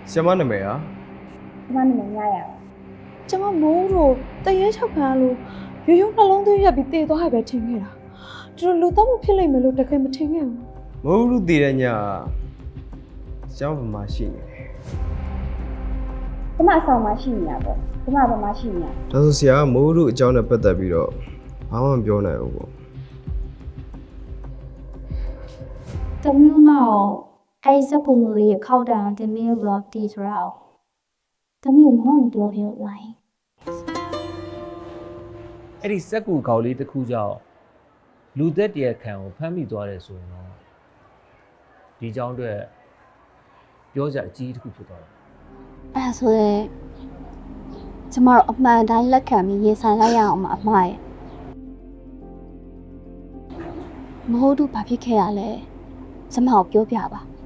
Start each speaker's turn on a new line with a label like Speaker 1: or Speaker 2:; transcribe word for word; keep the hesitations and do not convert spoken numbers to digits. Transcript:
Speaker 1: ဆရာမနာမည်ဟာ
Speaker 2: ကျမနာမည်ညရပါ
Speaker 3: ကျမမိုးတို့တရေချောက်ခံလို့ရိုးရိုးနှလုံးသွင်းရက်ပြီးတည်သွားရပဲထင်ခဲ့တာသူတို့လူတော့မဖြစ်လိမ့်မယ်လို့တကယ်မထင်ခဲ့ဘူး
Speaker 1: မဟုတ်ဘူးတည်တဲ့ညဆရာမဘာမှရှိနေတယ်
Speaker 2: ကျမအဆောင်မှာရှိနေတာပေါ့ကျမဘာမှရှိနေတာ
Speaker 1: ဒါဆိုဆရာကမိုးတို့အကြောင်းနဲ့ပတ်သက်ပြီးတော့ဘာမှမပြောနိုင်ဘူးပေါ့
Speaker 4: တမျိုးတော့အဲစက်ပုံလေးခောက်တာတမျိုးတော့တီးရောတမျိုးမဟုတ်တော့ပြောလိုက်
Speaker 5: အဲ့ဒီစက်ကူကောက်လေးတစ်ခုကြောင့်လူသက်တရခံကိုဖမ်းမိသွားတယ်ဆိုရင်တော့ဒီကြောင်းအတွက်ပြောကြအကြီးတစ်ခုဖြစ်သွားတယ်
Speaker 4: အဲဆိုရင်ကျမတို့အမှန်တိုင်းလက်ခံပြီးရင်ဆိုင်လိုက်ရအောင်မအမှားရဲ့မဟုတ်ဘူးဘာဖြစ်ခဲ့ရလဲကျမကိုပြောပြပါ